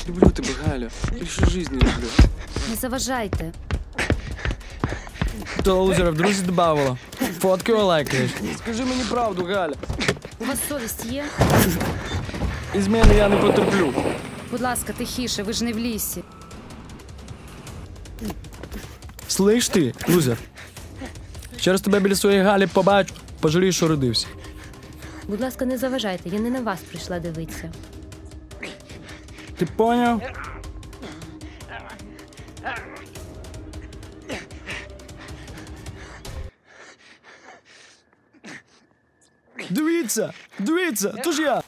Люблю тебе, Галя. Більше життя люблю. Не заважайте. То лузера в друзі добавила. Фотки лайкаєш. Скажи мені правду, Галя. У вас совість є? Із мене я не потерплю. Будь ласка, тихіше, ви ж не в лісі. Слиш ти, лузер? Ще раз тебе біля своєї Галі побачу, пожалієш, що родився. Будь ласка, не заважайте, я не на вас прийшла дивитися. Ти поняв? Дивіться! Дивіться! То ж я!